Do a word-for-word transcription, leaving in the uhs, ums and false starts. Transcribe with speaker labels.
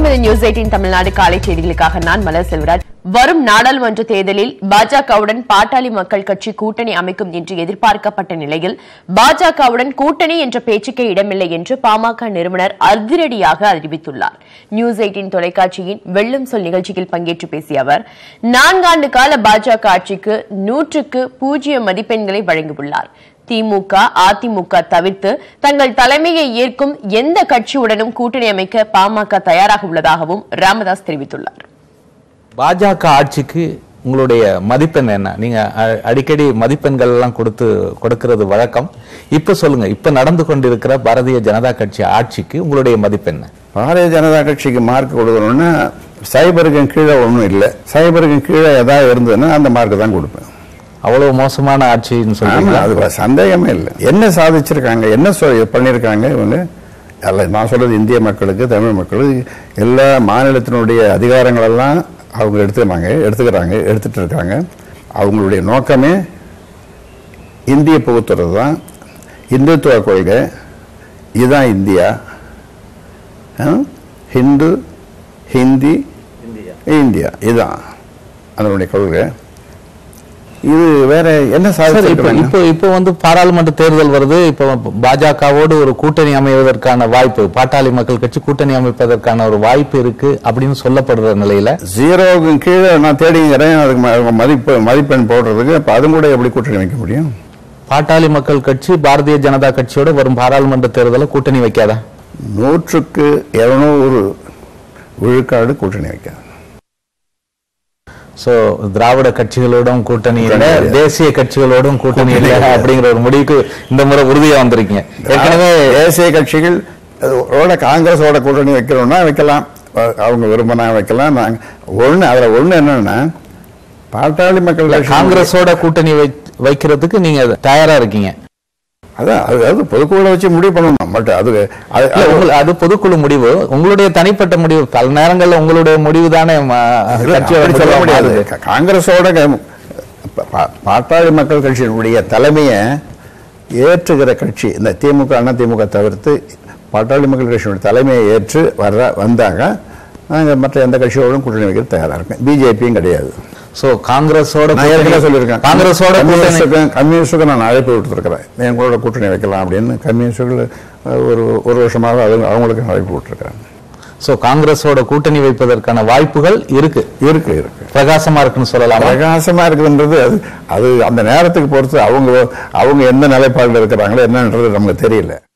Speaker 1: வணக்கம். இது news eighteen Tamil Nadu காலை செய்திகளுக்காக நான் மலர் செல்வராஜ். வரும் நாடாளுமன்ற தேர்தலில் பாஜகவுடன் பாட்டாளி மக்கள் கட்சி கூட்டணி அமைக்கும் என்று எதிர்பார்க்கப்பட்ட நிலையில் பாஜகவுடன் கூட்டணி என்ற பேச்சுக்கே இடமில்லை என்று பாமக நிறுவனர் அதிரடியாக அறிவித்துள்ளார். நியூஸ் எய்ட்டீன் தொலைக்காட்சியின் வெள்ளம் சொல் நிகழ்ச்சியில் பங்கேற்று பேசிய அவர், நான்காண்டு கால பாஜக ஆட்சிக்கு நூற்றுக்கு பூஜ்ஜியம் மதிப்பெண்களை வழங்கியுள்ளார். திமுக, அதிமுக தவிர்த்து தங்கள் தலைமையை ஏற்கும் எந்த கட்சியுடனும் கூட்டணி அமைக்க பாமக தயாராக உள்ளதாகவும் ராமதாஸ் தெரிவித்துள்ளார்.
Speaker 2: பாஜக ஆட்சிக்கு உங்களுடைய மதிப்பெண் என்ன? நீங்க அடிக்கடி மதிப்பெண்கள் எல்லாம் கொடுத்து கொடுக்கிறது வழக்கம். இப்ப சொல்லுங்க, இப்ப நடந்து கொண்டிருக்கிற பாரதிய ஜனதா கட்சி ஆட்சிக்கு உங்களுடைய மதிப்பெண்?
Speaker 3: பாரதிய ஜனதா கட்சிக்கு மார்க் கொடுக்கணும்னா சைபருக்கு கீழே ஒன்றும் இல்லை. சைபருக்கு கீழே ஏதாவது இருந்ததுன்னா அந்த மார்க் தான் கொடுப்பேன்.
Speaker 2: அவ்வளவு மோசமான ஆட்சின்னு சொல்லுவாங்க.
Speaker 3: அது சந்தேகமே இல்லை. என்ன சாதிச்சிருக்காங்க, என்ன பண்ணியிருக்காங்க இவங்க? அல்ல, நான் சொல்றது இந்திய மக்களுக்கு, தமிழ் மக்களுக்கு, எல்லா மாநிலத்தினுடைய அதிகாரங்களெல்லாம் அவங்க எடுத்துக்கிறாங்க எடுத்துக்கிறாங்க எடுத்துட்டு இருக்காங்க. அவங்களுடைய நோக்கமே இந்திய புகுத்துறது தான், இந்துத்துவ கொள்கை. இதுதான் இந்தியா. ஹிந்து, ஹிந்தி, இந்தியா, இதுதான் அதனுடைய கொள்கை. இது வேற என்ன சாதிச்சு?
Speaker 2: இப்போ இப்போ வந்து பாராளுமன்ற தேர்தல் வருது. இப்போ பாஜகவோடு ஒரு கூட்டணி அமைவதற்கான வாய்ப்பு, பாட்டாளி மக்கள் கட்சி கூட்டணி அமைப்பதற்கான ஒரு வாய்ப்பு இருக்கு அப்படின்னு சொல்லப்படுற நிலையில
Speaker 3: ஜீரோவுக்கு கீழே நான் தேடிங்கிறேன். அதுக்கு மதிப்பு மதிப்பெண் போடுறதுக்கு இப்போ அதுவும் கூட எப்படி கூட்டணி வைக்க முடியும்?
Speaker 2: பாட்டாளி மக்கள் கட்சி பாரதிய ஜனதா கட்சியோட வரும் பாராளுமன்ற தேர்தலில் கூட்டணி வைக்காதா?
Speaker 3: நூற்றுக்கு இருநூறு விழுக்காடு கூட்டணி வைக்காது.
Speaker 2: சோ திராவிட கட்சிகளோடும் கூட்டணி இல்லை, தேசிய கட்சிகளோடும் கூட்டணி இல்லை அப்படிங்கிற ஒரு முடிவுக்கு இந்த முறை உறுதியா வந்திருக்கீங்க. ஏற்கனவே
Speaker 3: தேசிய கட்சிகள் காங்கிரஸோட கூட்டணி வைக்கிறோம்னா வைக்கலாம், அவங்க விரும்பினா வைக்கலாம். நாங்க ஒண்ணு அதுல ஒண்ணு என்னன்னா, பாட்டாளி மக்கள்
Speaker 2: காங்கிரஸோட கூட்டணி வைக்கிறதுக்கு நீங்க தயாரா இருக்கீங்க.
Speaker 3: அதான் அது பொதுக்குழு வச்சு முடிவு பண்ணணும். பட் அது
Speaker 2: அது பொதுக்குழு முடிவு, உங்களுடைய தனிப்பட்ட முடிவு. பல நேரங்களில் உங்களுடைய முடிவு தானே
Speaker 3: சொல்ல முடியாது. காங்கிரஸோட பாட்டாளி மக்கள் கட்சியினுடைய தலைமையை ஏற்றுகிற கட்சி இந்த திமுக, அண்ணா திமுக தவிர்த்து பாட்டாளி மக்கள் கட்சியினுடைய தலைமையை ஏற்று வர்ற வந்தாங்க நாங்கள் மற்ற எந்த கட்சியோடும் கூட்டணி வைக்கிறது தயாராக இருக்கேன். பிஜேபியும் கிடையாது.
Speaker 2: சோ காங்கிரஸோட
Speaker 3: சொல்லியிருக்கேன், காங்கிரஸோட கம்யூனிஸ்டுக்கு நான் அழைப்பு விட்டுருக்கிறேன், எங்களோட கூட்டணி வைக்கலாம் அப்படின்னு. கம்யூனிஸ்டுகள் ஒரு ஒரு வருஷமாக அது அவங்களுக்கு அழைப்பு விட்டுருக்கிறேன்.
Speaker 2: சோ காங்கிரஸோட கூட்டணி வைப்பதற்கான வாய்ப்புகள் இருக்கு
Speaker 3: இருக்கு இருக்கு
Speaker 2: பிரகாசமா இருக்குன்னு சொல்லலாம்.
Speaker 3: பிரகாசமா இருக்குன்றது அது அது அந்த நேரத்துக்கு பொறுத்து அவங்க அவங்க எந்த நிலைப்பாடுல இருக்கிறாங்களோ என்னன்றது நமக்கு தெரியல.